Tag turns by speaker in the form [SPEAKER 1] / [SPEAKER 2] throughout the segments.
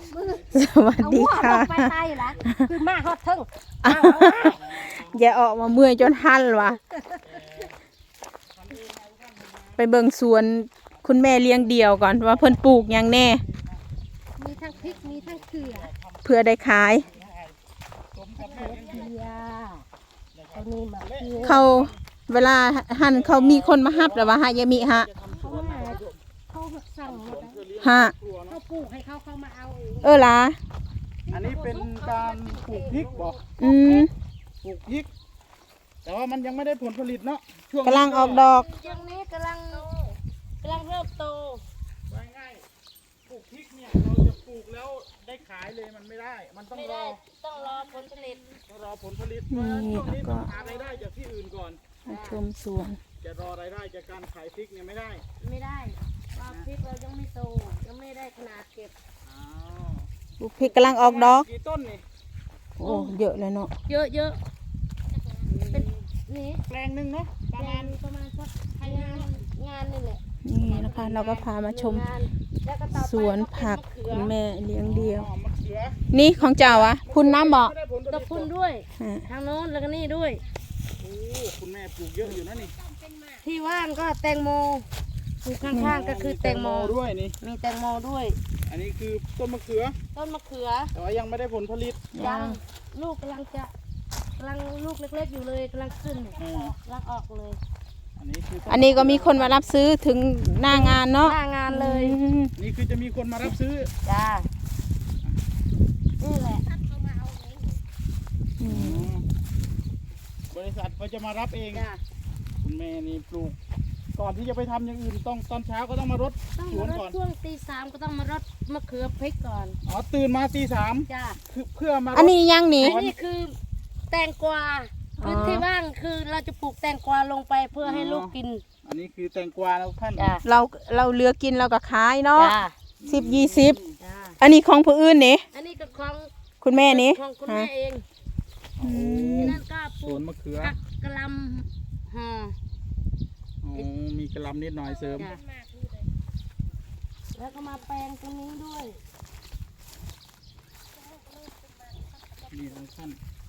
[SPEAKER 1] สวัสดีค่ะ
[SPEAKER 2] ไปตายละคือมาฮอดทึ่ง
[SPEAKER 1] อย่าออกมาเมื่อยจนหันวะไปเบิ่งสวนคุณแม่เลี้ยงเดี่ยวก่อนว่าเพิ่นปลูกหยังแน่
[SPEAKER 2] มีทั้งพริกมีทั้งเกลือ
[SPEAKER 1] เพื่อได้ขาย
[SPEAKER 2] เกลือเขานี่มาเกลือ
[SPEAKER 1] เขาเวลาหั่นเขามีคนมาฮับแล้วว่าฮะยามิฮะ
[SPEAKER 2] เขามาเขาสั่งหมด
[SPEAKER 1] ฮะ
[SPEAKER 2] เขาปลูกให้เขามาเอาเอง
[SPEAKER 1] ล่ะ
[SPEAKER 3] อันนี้เป็นการปลูกพริกบอก
[SPEAKER 1] อืม
[SPEAKER 3] ปลูกพริก แต่ว่ามันยังไม่ได้ผลผลิตเนาะช่วง
[SPEAKER 1] กำลังออกดอก
[SPEAKER 2] ช่วงนี้กำลังเริ่มโต
[SPEAKER 3] ว่าง่ายๆปลูกพริกเนี่ยเราจะปลูกแล้วได้ขายเลยมันไม่ได้ มันต้องรอ
[SPEAKER 2] ต้องรอผลผลิต
[SPEAKER 3] ต้องรอผลผลิต
[SPEAKER 1] นี่
[SPEAKER 3] ช่วง
[SPEAKER 1] แล้ว
[SPEAKER 3] นี้
[SPEAKER 1] ก็
[SPEAKER 3] ต้องหารายได้จากที่อื่นก่อน
[SPEAKER 1] มาชมสวน
[SPEAKER 3] จะรอรายได้จากการขายพริกเนี่ยไม่ได้
[SPEAKER 2] ไม่ได้ว่าพริกเรายังไม่โตยังไม่ได้ขนาดเก็บ
[SPEAKER 3] อ้าว
[SPEAKER 1] ปลูกพริกกำลังออกดอก
[SPEAKER 3] กี่ต้นนี่
[SPEAKER 1] โอ้เยอะเลยเนาะ
[SPEAKER 2] เยอะเป็นนี่
[SPEAKER 3] แปลงหนึ่งเนาะประมาณ
[SPEAKER 2] ประมาณสักงานนี่แหละ
[SPEAKER 1] นี่นะคะ เราก็พามาชม
[SPEAKER 2] แล้วก็ต่อไป
[SPEAKER 1] สวนผักคุณแม่เลี้ยงเดี่ยว
[SPEAKER 3] อ๋อมะเขือ
[SPEAKER 1] นี่ของเจ้าอะคุณน้ำบอก
[SPEAKER 3] ไม่ได้ผลผ
[SPEAKER 2] ต
[SPEAKER 3] ลิ
[SPEAKER 2] บ
[SPEAKER 3] ต
[SPEAKER 2] คุณด้วย
[SPEAKER 1] ฮะ
[SPEAKER 2] ทางโน้นแล้วก็นี่ด้วย
[SPEAKER 3] โอ้คุณแม่ปลูกเยอะอยู่นะนี่
[SPEAKER 2] ที่ว่างก็แตงโมปลูกข้างๆก็คือแตงโม
[SPEAKER 3] ด้วยนี่
[SPEAKER 2] มีแตงโมด้วย
[SPEAKER 3] อันนี้คือต้นมะเขือ
[SPEAKER 2] ต้นมะเขือ
[SPEAKER 3] แต่ว่ายังไม่ได้ผลผลิต
[SPEAKER 2] ยังลูกกำลังลูกเล็กๆอยู่เลยกำลังขึ้น
[SPEAKER 3] อืม
[SPEAKER 2] กำลังออกเลย
[SPEAKER 3] อันนี้คือ
[SPEAKER 1] อันนี้ก็มีคนมารับซื้อถึงหน้างานเนาะ
[SPEAKER 2] หน้างานเลย
[SPEAKER 1] อืม
[SPEAKER 3] นี่คือจะมีคนมารับซื้อ
[SPEAKER 2] จ้านี่แหละ
[SPEAKER 1] อืม
[SPEAKER 3] บริษัทเขาจะมารับเอง
[SPEAKER 2] จ้า
[SPEAKER 3] คุณแม่นี่ปลูก ก่อนที่จะไปทำอย่างอื่นต้องตอนเช้าก็ต้องมารด
[SPEAKER 2] ต้อง
[SPEAKER 3] สว
[SPEAKER 2] มาน รด
[SPEAKER 3] ก่อน
[SPEAKER 2] ช่วงตี 3ก็ต้องมารดมะเขือพริกก่อน
[SPEAKER 3] อ๋อตื่นมาตี 3
[SPEAKER 2] จ้า
[SPEAKER 3] คือเพื่อมารด
[SPEAKER 1] อันนี้ยังนี่
[SPEAKER 2] อันนี้คือแตงกวา
[SPEAKER 1] อ๋อ
[SPEAKER 2] พื้นที่ว่างคือเราจะปลูกแตงกวาลงไปเพื่อให้ลูกกิน
[SPEAKER 3] อันนี้คือแตงกวาแล้วท่าน
[SPEAKER 2] จ้า
[SPEAKER 1] เราเหลือกินเราก็ขายเนาะ
[SPEAKER 2] จ้า
[SPEAKER 1] 10-20
[SPEAKER 2] จ้า
[SPEAKER 1] อันนี้ของผู้อื่นนี่
[SPEAKER 2] อันนี้ก็ของ
[SPEAKER 1] คุณแม่นี่
[SPEAKER 2] ของคุณ
[SPEAKER 1] ฮะ
[SPEAKER 2] แม่เอง
[SPEAKER 1] อืม
[SPEAKER 2] นั่นก็ป
[SPEAKER 3] ส
[SPEAKER 2] ลู
[SPEAKER 3] ว
[SPEAKER 2] ก
[SPEAKER 3] นมะเขือ
[SPEAKER 2] ผักกะหล่ำห่อ
[SPEAKER 3] อ๋อมีกระหลำนิดหน่อยเสริม
[SPEAKER 2] จ้ะแล้วก็มาแปลงตรงนี้ด้วย
[SPEAKER 3] นี่นะท่าน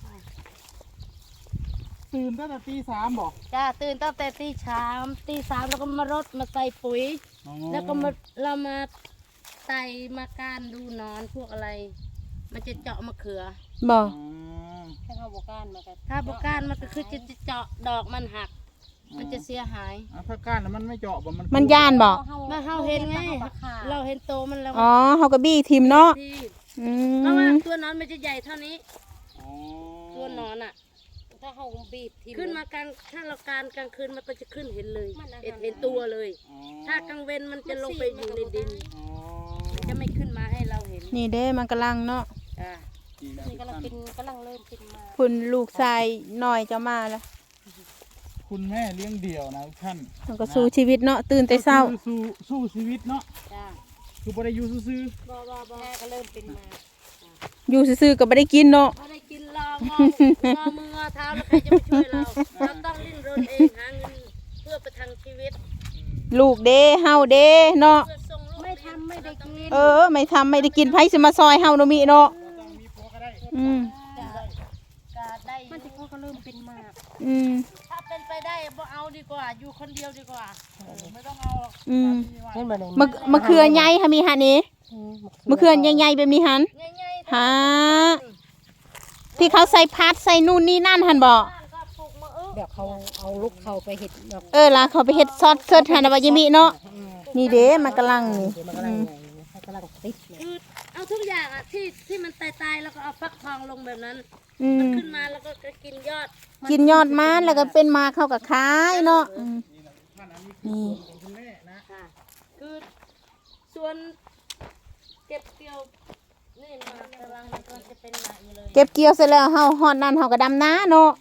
[SPEAKER 3] ตื่นตั้งแต่ตี 3บอก
[SPEAKER 2] จ้าตื่นตั้งแต่ตี 3แล้วก็มารดมาใส่ปุ๋ย
[SPEAKER 3] อ๋อ
[SPEAKER 2] แล้วก็เรามาไต่มาการดูหนอนพวกอะไร มันจะเจาะมะเขือ
[SPEAKER 1] บ่
[SPEAKER 3] อ๋อ
[SPEAKER 2] ถ้าบก้านมันก็คือจะเจาะดอกมันหัก มันจะเสียหาย
[SPEAKER 3] อ่ะถ้าก้านน่ะมันไม่เจาะบ่มัน
[SPEAKER 1] มันย่านบ่
[SPEAKER 2] มาเฮาเห็นไงเราเห็นโตมันแล้ว
[SPEAKER 1] อ๋อเฮาก็บี้ทิมเนาะ
[SPEAKER 2] ที่
[SPEAKER 1] อื
[SPEAKER 2] เพราะว่าม ตัวหนอนมันจะใหญ่เท่านี้
[SPEAKER 3] อ๋อ
[SPEAKER 2] ตัวหนอนอ่ะ ถ้าเขาบีบขึ้นมากลางถ้าเราการกลางคืนมันก็จะขึ้นเห็นเลย เห็นตัวเลย
[SPEAKER 3] อ๋อ
[SPEAKER 2] ถ้ากลางเว้นมันจะลงไปอยู่ในดิน
[SPEAKER 3] อ๋อ
[SPEAKER 2] มันจะไม่ขึ้นมาให้เราเห็น
[SPEAKER 1] นี่เด้มันกำลังเนาะ
[SPEAKER 2] จ้า
[SPEAKER 3] นี่นะ
[SPEAKER 2] นี่กำลังเริ่มกินมา
[SPEAKER 1] คุณลูกชายน้อยจะมาแล้ว
[SPEAKER 3] คุณแม่เลี้ยงเดี่ยวนะทุกท่าน
[SPEAKER 1] มันก็สู้ชีวิตเนาะตื่นแต่เช้า
[SPEAKER 3] ก็คือสู้ชีวิตเนาะ
[SPEAKER 2] จ้า
[SPEAKER 3] คือบ่ได้อยู่ซื่อ
[SPEAKER 2] แม่ก็เริ่มเป็นมา
[SPEAKER 1] อยู่ซื่อๆก็บ่ได้กินเนาะ
[SPEAKER 2] พอได้กินรองอมือเท้าแล้วใครจะมาช่วยเรา เราต้องดิ้นรนเองหาเงินเพื่อประทังชีวิต
[SPEAKER 1] ลูกเด้เฮาเด้เนาะ
[SPEAKER 2] เพื่อส่งลูกไม่ทำไม่ได้กิน
[SPEAKER 1] ไม่ทำไม่ได้กินไผสิมาซอยเฮาเนาะมิเนาะ
[SPEAKER 3] ๆต้องมีผัวก็ได้
[SPEAKER 1] อืม
[SPEAKER 2] จะได้มันที่เขาก็เริ่มเป็นมาก
[SPEAKER 1] อืม
[SPEAKER 2] ถ้าเป็นไปได้บ่เอาดีกว่า อยู่คนเดียวดีกว่า
[SPEAKER 3] ไม่ต้องเอาหรอก
[SPEAKER 1] อืม
[SPEAKER 2] เห็นบ่ได้
[SPEAKER 1] มะเขือใหญ่ค่ะมีหันนี่มะเขือใหญ่ๆแบบมีหัน
[SPEAKER 2] ง่ายๆ
[SPEAKER 1] หาที่เขาใส่พัดใส่นู่นนี่นั่นหันบ่
[SPEAKER 2] บ้านก็ปลูกมะอึ
[SPEAKER 4] เดี๋ยวเขาเอาลูกเขาไปเห็ดดอก
[SPEAKER 1] ล่ะเขาไปเฮ็ดซอสเสิร์ชหันน่ะว่ายิมิเนาะนี่เด้มันกำลังนี่
[SPEAKER 4] เดี๋ยวมันกำลังเขากำลังติดเนี่ย
[SPEAKER 2] คือเอาทุกอย่างอ่ะที่มันตายๆแล้วก็เอาฟักทองลงแบบนั้น
[SPEAKER 1] อื
[SPEAKER 2] มัน
[SPEAKER 1] ม
[SPEAKER 2] ขึ้นมาแล้วก็กินยอด
[SPEAKER 1] กินยอดมันแล้วก็เป็นมาเข้ากับขายเนาะนี่
[SPEAKER 3] คุณแม่นะ
[SPEAKER 2] ค่ะคือส่วนเก็บเกี่ยวนี่มากำลังมันก็จะเป็นหนักอยู่เลย
[SPEAKER 1] เก็บเกี่ยวเสร็จแล้วเฮาฮอดนั่นเฮาก็ดำนาเนาะ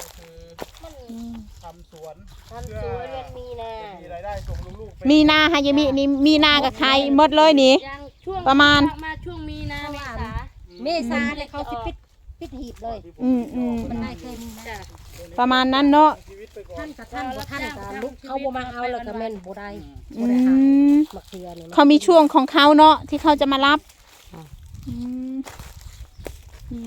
[SPEAKER 3] ทำสวน
[SPEAKER 2] ทำสวนมันมีนะ
[SPEAKER 3] มีรายได้ส่งลูกๆไป
[SPEAKER 1] มีนาฮะยมินี่มีนากับขายหมดเลยนี่
[SPEAKER 2] ยังช่วง
[SPEAKER 1] ประมาณ
[SPEAKER 2] ช่วงมีนาเมษา
[SPEAKER 4] เมษาเนี่ยเขาสิปิดหีบเลย
[SPEAKER 2] มันได้เคยมีนะ
[SPEAKER 1] ประมาณนั้นเนาะ
[SPEAKER 3] ชีวิตไปก่อน
[SPEAKER 4] ท่านกับท่านกับท่านกับลูกเขาบ่มาเอาแล้วก็แม่นบ่ได้
[SPEAKER 1] อื
[SPEAKER 4] บ่ได้หาม มะเขือเนี่ย
[SPEAKER 1] เขามีช่วงของเขาเนาะที่เขาจะมารับอื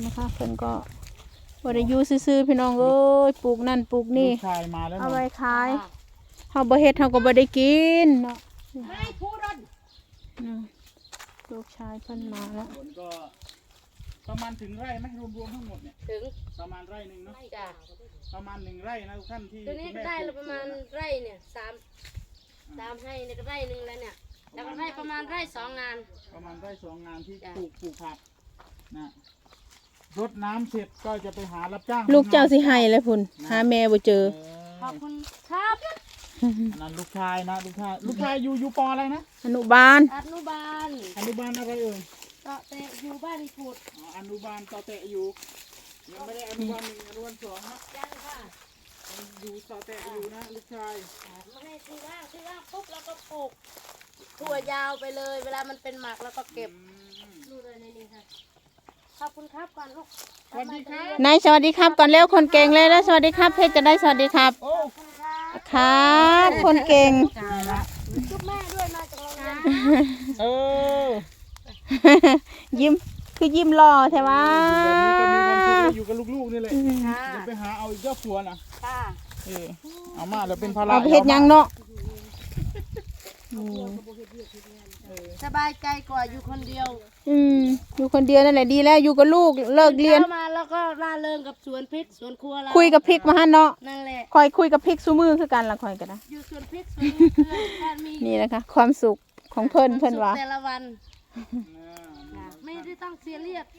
[SPEAKER 1] นะคะเพิ่นก็บ่ได้อยู่ซื่อๆพี่น้องเอ้ยปลูกนั่นปลูกนี่
[SPEAKER 3] ลูกชายมาแล้ว
[SPEAKER 1] เอาไว้ขายเฮาบ่เฮ็ดเฮาก็บ่ได้กินเนาะ
[SPEAKER 2] ไม่พูดรถ
[SPEAKER 1] อืมลูกชายเพิ่นมาแล้ว
[SPEAKER 3] ผลก็ประมาณถึงไร่ไหมรวมๆทั้งหมดเนี่ย
[SPEAKER 2] ถึง
[SPEAKER 3] ประมาณไร่หนึ่งเนาะ
[SPEAKER 2] จ้ะ
[SPEAKER 3] ประมาณ1 ไร่นะทุกท่านที่
[SPEAKER 2] ตัวนี้
[SPEAKER 3] คุณแม่
[SPEAKER 2] ได้
[SPEAKER 3] ป
[SPEAKER 2] แล้
[SPEAKER 3] ลู
[SPEAKER 2] ว
[SPEAKER 3] ก
[SPEAKER 2] ประมาณไร่เนี่ยสามให้เนี่ยก็ไร่หนึ่งแล้วเนี่ยแล้วก็ไร่ประมาณไร่2 งาน
[SPEAKER 3] ประมาณไร่2 งานที่
[SPEAKER 2] จ้ะ
[SPEAKER 3] ปลูกผักนะรดน้ำเสร็จก็จะไปหารับจ้าง
[SPEAKER 1] ลูกเจ้าสิให้แล้วพุ่นหาแม่บ่เจอ
[SPEAKER 2] ขอบคุณครับ
[SPEAKER 3] อันนั้นลูกชายนะลูกชายอยู่ปออะไรนะ
[SPEAKER 1] อนุบาล
[SPEAKER 2] อนุบาล
[SPEAKER 3] อนุบาลอะไรเอ่ย
[SPEAKER 2] ก็แต่อยู่บ้านอีพูด
[SPEAKER 3] อ๋ออนุบาลต่อเตะอยู่ยังไม่ได้อนุบาล1อนุบาล2นะ
[SPEAKER 2] ยังค่ะ
[SPEAKER 3] ยังอยู่ต่อเตะอยู่นะลูกชาย
[SPEAKER 2] ไม่ให้ที่ว่างปุ๊บแล้วก็ปลูกถั่วยาวไปเลย เวลามันเป็นหมากแล้วก็เก็บดูเลยในนี้ค่ะขอบคุณครับก่อนลูก
[SPEAKER 3] สวัสดีครับ
[SPEAKER 1] นายสวัสดีครับก่อนเร็วคนเก่งเลยแล้วสวัสดีครับเพชรจะได้สวัสดีครับ
[SPEAKER 3] โอ้
[SPEAKER 1] ครับคนเก่ง
[SPEAKER 2] จุ๊บแม่ด้วยมาจากโรงเรียน
[SPEAKER 3] เออ
[SPEAKER 1] ยิ้มคือยิ้มหล่อใช่ไหม
[SPEAKER 3] แบบนี้ก็มีความสุขได้อยู่กับลูกๆนี่แหละ
[SPEAKER 2] ค่ะ
[SPEAKER 3] เดี๋ยวไปหาเอาอีกเจ้าผัวนะ
[SPEAKER 2] ค่ะ
[SPEAKER 3] เอามาแล้วเป็นภาระ
[SPEAKER 1] เอาไปเฮ็ดหยังเนาะ
[SPEAKER 2] สบายใจกว่าอยู่คนเดียว
[SPEAKER 1] อยู่คนเดียวนั่นแหละดีแล้วอยู่กับลูกเลิกเรียน
[SPEAKER 2] ช้ามาแล้วก็ร่าเริงกับสวนพริกสวนครัวเรา
[SPEAKER 1] คุยกับพริกมาฮะเนาะ
[SPEAKER 2] นั่นแหละ
[SPEAKER 1] คอยคุยกับพริกซูมือคือกันละคอยกันนะ
[SPEAKER 2] อยู่สวนพริกสวนมะเขือบ้านมี
[SPEAKER 1] นี่นะคะ ความสุขของเพิ่นว่า
[SPEAKER 2] แต่ละวันไม่ได้ต้องเสียเลียด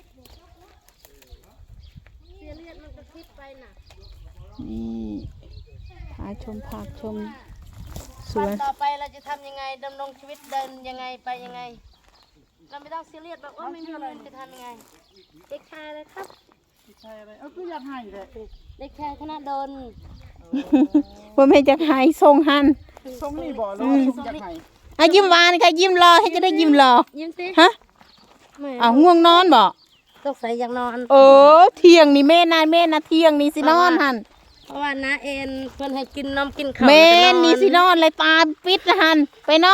[SPEAKER 2] มันก็คิดไปน่ะ
[SPEAKER 1] นี่หาชมผักชมส
[SPEAKER 2] วั
[SPEAKER 1] วน น
[SPEAKER 2] ต่อไปเราจะทำยังไงดำรงชีวิตเดินยังไงไปยังไง เราไม่ต้องเสียเลียดแบบว่าไม่มีเงินจะทำยังไงเด็กชายเลยครับ
[SPEAKER 3] ใช่อะไรคืออยากให้เลย
[SPEAKER 2] เด็กชายคณะดน
[SPEAKER 1] ว่าไม่จะหายทรงหัน
[SPEAKER 3] ทรงนี่บ่แล้วทรงอยากให้
[SPEAKER 1] อ่ะยิ้มหวานค่ะยิ้มรอให้จะได้ยิ้มรอ
[SPEAKER 2] ยิ้มสิ
[SPEAKER 1] ฮะอ้าวง่วงนอนบ่
[SPEAKER 2] ต้องใส่อยากนอน
[SPEAKER 1] เที่ยงนี่แม่นะเที่ยงนี่สินอนหัน
[SPEAKER 2] เพราะว่าน้าเอ็นเพื่อนให้กินนมกินข้าว
[SPEAKER 1] แม่
[SPEAKER 2] แล้วก็
[SPEAKER 1] นี่สินอนเลยตาปิดหันไปนอน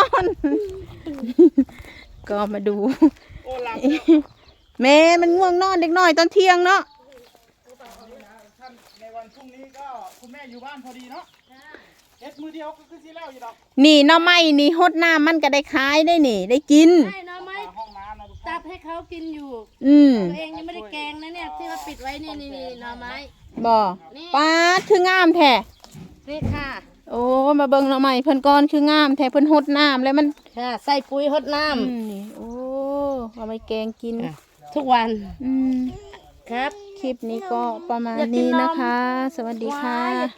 [SPEAKER 1] ก็มาดู
[SPEAKER 3] โอ้หลับ
[SPEAKER 1] แม่มันง่วงนอนเด็กน้อยตอนเที่ยงเนาะ
[SPEAKER 3] ท่านในวันพรุ่งนี้ก็คุณแม่อยู่บ้านพอดีเนาะเอ็ดมือเดียวก็คือสิแล้วอยู่ดอก
[SPEAKER 1] นี่หน่อไม้นี่ฮดน้ำมันก็ได้ขายได้นี่ ได้กิน
[SPEAKER 2] ใช่เนาะไหม
[SPEAKER 3] ห้องน้ำนะทุก
[SPEAKER 2] ตั
[SPEAKER 3] ท่า
[SPEAKER 2] ดให้เขากินอยู่
[SPEAKER 1] ม
[SPEAKER 2] ตัวเองยังไม่ได้แกงนะเนี่ยที่เราปิดไว้นี่หน่อไม้
[SPEAKER 1] บ่ป้าดคืองามแท้
[SPEAKER 2] นี่ค่ะ
[SPEAKER 1] โอ้มาเบิ่งหน่อไม้เพิ่นก่อนคืองามแท้เพิ่นฮดน้ำแล้วมัน
[SPEAKER 2] ค่ะใส่ปุ๋ยหดน้
[SPEAKER 1] นี่โอ้เอาไปแกงกิน
[SPEAKER 2] ำทุกวัน
[SPEAKER 1] อืม
[SPEAKER 2] ครับ
[SPEAKER 1] คลิปนี้ก็ประมาณนี้นะคะ สวัสดีค่ะ